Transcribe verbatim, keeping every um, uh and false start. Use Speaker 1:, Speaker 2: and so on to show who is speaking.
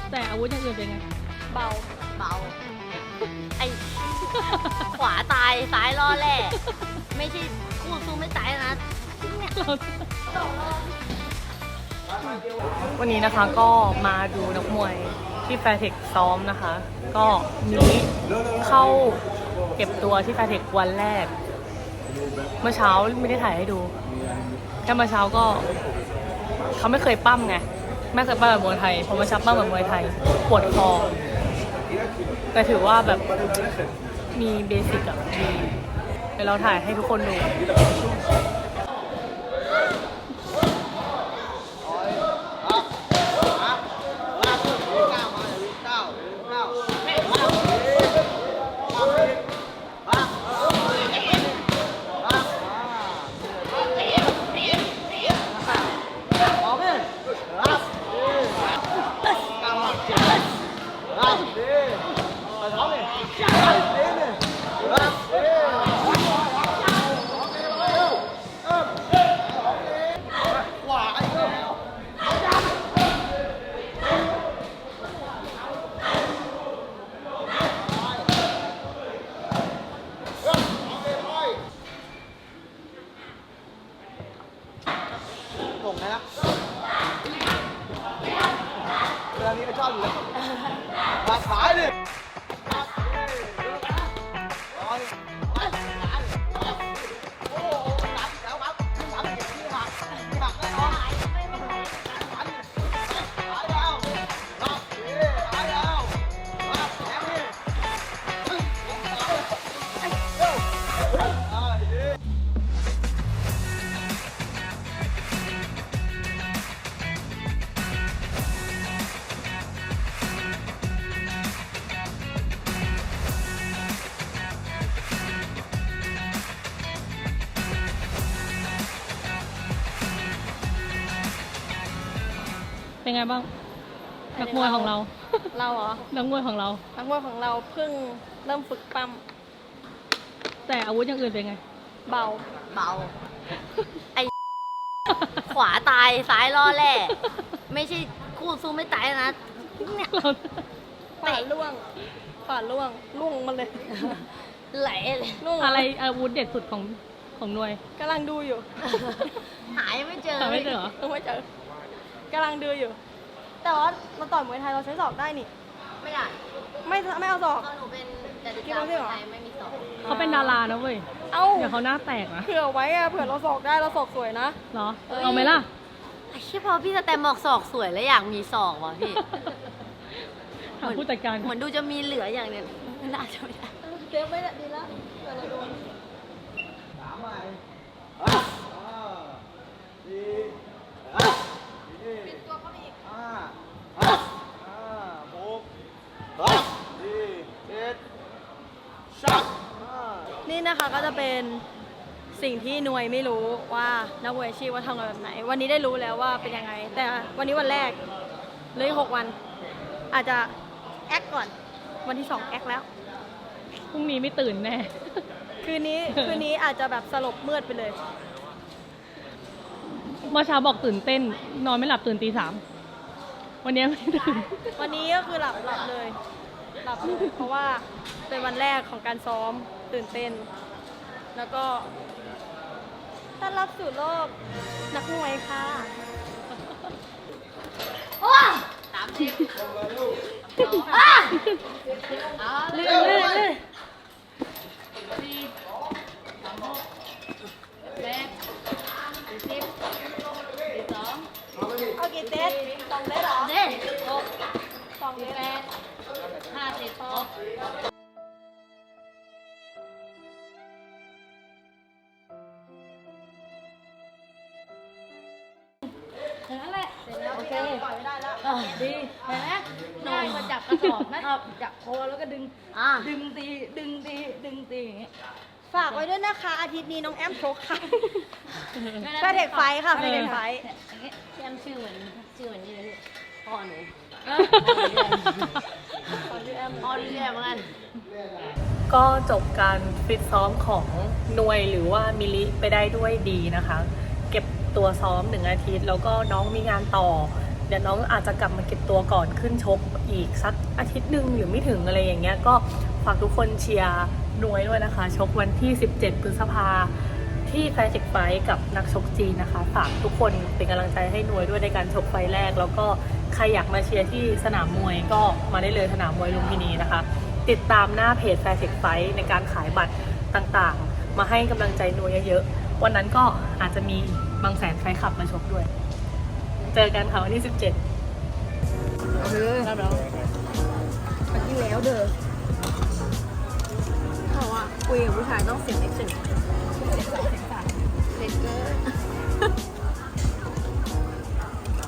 Speaker 1: แต่อาวุธอย่างอื่นเป็นไง
Speaker 2: เบาเบาไอขวาตายซ้ายล่อแร่ไม่ใช่คู่สู้ไม่ตายนะ
Speaker 1: วันนี้นะคะก็มาดูนักมวยที่แฟร์เทคซ้อมนะคะ ก็นี้เข้าเก็บตัวที่แฟร์เทควันแรกเมื่อเช้าไม่ได้ถ่ายให้ดูแค่เมื่อเช้าก็เขาไม่เคยปั้มไงไม่เคยปั้มแบบมวยไทยพอมาชับปั้มแบบมวยไทยปวดคอแต่ถือว่าแบบมีเบสิกอะมีเดี๋ยวเราถ่ายให้ทุกคนดู
Speaker 3: ส่งนะครับเรื่องนี้ก็ชอบอยู่แล้วปากสายดิ
Speaker 1: เป็นไงบ้างนักมวยของเรา
Speaker 2: เราเหรอ
Speaker 1: นักมวยของเรา
Speaker 2: นักมวยของเราเพิ่งเริ่มฝึกปั้ม
Speaker 1: แต่อาวุธอย่างอื่นเป็นไง
Speaker 2: เบาเบาไอขวาตายซ้ายล่อแร่ไม่ใช่คู่สู้ไม่ตายนะเนี่ยขวาล่วงขวาล่วงล่วงมันเลยไหลเลยล่วง
Speaker 1: อะไรอาวุธเด็ดสุดของของหน่วย
Speaker 2: กำลังดูอยู่หายไม่เจอ
Speaker 1: ไม่เจอเหรอ
Speaker 2: ไม่เจอกำลังดูอยู่แต่ว่าเราต่อยมวยไทยเราใช้ศอกได้นี่ไม่ได้ไม่ไม่เอาศอกหนูเป็นแต่ดิฉันมวยไทยไม่มีศอก
Speaker 1: เขาเป็นดารานะเว้ยเอ้าเดี๋ยวเขาหน้าแตกนะ
Speaker 2: เผื่อไว้อะเผื่อเราศอกได้เราศอกสวยนะ
Speaker 1: เหรอเอาไหมล่ะ
Speaker 2: ไอ้ที่พอพี่สแตมบอกศอกสวยแล้วอยากมีศอกว่ะพี่
Speaker 1: ถามผู้จัดการ
Speaker 2: เหมือนดูจะมีเหลืออย่างเนี้ยไม่น่าจะไม่ได้เซฟไม่ได้ดีแล้วเผื่อเราโดน
Speaker 3: สามใหม่ปิดตัวเขาอีกห้าห้าหกสี่เจ็ดสัก
Speaker 2: นี่นะคะก็จะเป็นสิ่งที่หน่วยไม่รู้ว่านักมวยอาชีพว่าทำงานแบบไหนวันนี้ได้รู้แล้วว่าเป็นยังไงแต่วันนี้วันแรกเลยหกวันอาจจะแอคก่อนวันที่สองแอคแล้ว
Speaker 1: พรุ่งนี้ไม่ตื่นแน่
Speaker 2: คืนนี้คืนนี้อาจจะแบบสลบมืดไปเลย
Speaker 1: เมื่อเช้าบอกตื่นเต้นนอนไม่หลับตื่นตีสามวันนี้ไม่ตื่น
Speaker 2: วันนี้ก็คือหลับหลับเลยหลับเลยเพราะว่าเป็นวันแรกของการซ้อมตื่นเต้นแล้วก็ต้อนรับสู่โลกนักมวยค่ะว้าสามสิบลื่นลื่นลื่นสี่สามหกแปดสิบสองเอากี่เซตสองเซตเหรอเซตหกสองแปดห้าสิบหกนั่นแหละเสร็จแล้วโอเคปล่อยไม่ได้แล้วดีเห็นไหมง่ายมาจับกระสอบนะครับจับโคแล้วก็ดึงดึงตีดึงตีดึงตีอย่างเงี้ยฝากไว้ด้วยนะคะอาทิตย์นี้น้องแอมโชกค่ะแฟร์เทคไฟค่ะแฟร์เทคไฟแอมชื่อเหมือนชื่อเหมือนนี่เลยพ่อหนูพ่อชื่อแอมพ่อชื่อแอมเหมือนกัน
Speaker 1: ก็จบการฟิตซ้อมของหน่วยหรือว่ามิลิไปได้ด้วยดีนะคะเก็บตัวซ้อมหนึ่งอาทิตย์แล้วก็น้องมีงานต่อเดี๋ยวน้องอาจจะกลับมาเก็บตัวก่อนขึ้นชกอีกสักอาทิตย์หนึ่งหรือไม่ถึงอะไรอย่างเงี้ยก็ฝากทุกคนเชียร์หน่วยด้วยนะคะชกวันที่สิบเจ็ดพฤษภาที่แฟร์เทคไฟท์กับนักชกจีนนะคะฝากทุกคนเป็นกำลังใจให้หน่วยด้วยในการชกไฟท์แรกแล้วก็ใครอยากมาเชียร์ที่สนามมวยก็มาได้เลยสนามมวยลุมพินีนะคะติดตามหน้าเพจแฟร์เทคไฟท์ในการขายบัตรต่างๆมาให้กำลังใจหน่วยเยอะๆวันนั้นก็อาจจะมีบางแสนแฟนคลับมาชกด้วยเจอกันค่ะวันที่สิบเจ็ด
Speaker 2: เออได้แล้วมาที่แล้วเด้อเขาว่าคุยกับผู้ชายต้องเสียงเอ็กซ์เสียงสองเสียงสามเสียงเกิน